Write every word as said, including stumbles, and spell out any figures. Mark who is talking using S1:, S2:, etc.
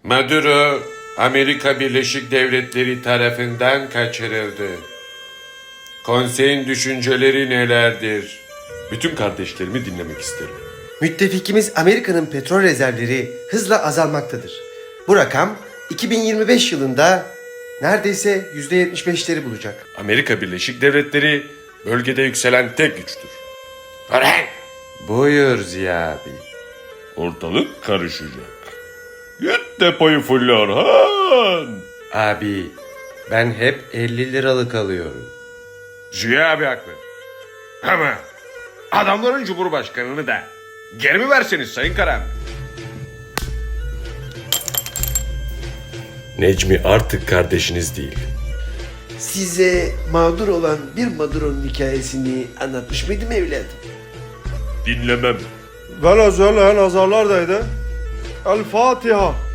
S1: Maduro, Amerika Birleşik Devletleri tarafından kaçırıldı. Konseyin düşünceleri nelerdir? Bütün kardeşlerimi dinlemek isterim.
S2: Müttefikimiz Amerika'nın petrol rezervleri hızla azalmaktadır. Bu rakam iki bin yirmi beş yılında neredeyse yüzde yetmiş beşleri bulacak.
S1: Amerika Birleşik Devletleri bölgede yükselen tek güçtür. Orhan!
S2: Buyur Ziya abi.
S1: Ortalık karışacak. Git depoyu fulle Orhan!
S2: Abi ben hep elli liralık alıyorum.
S1: Ziya abi haklı. Ama adamların cumhurbaşkanını da geri mi verseniz Sayın Karan? Necmi artık kardeşiniz değil.
S3: Size mağdur olan bir Maduro'nun hikayesini anlatmış mıydım evladım?
S1: Dinlemem.
S4: Venezuela nazarlardaydı. El Fatiha.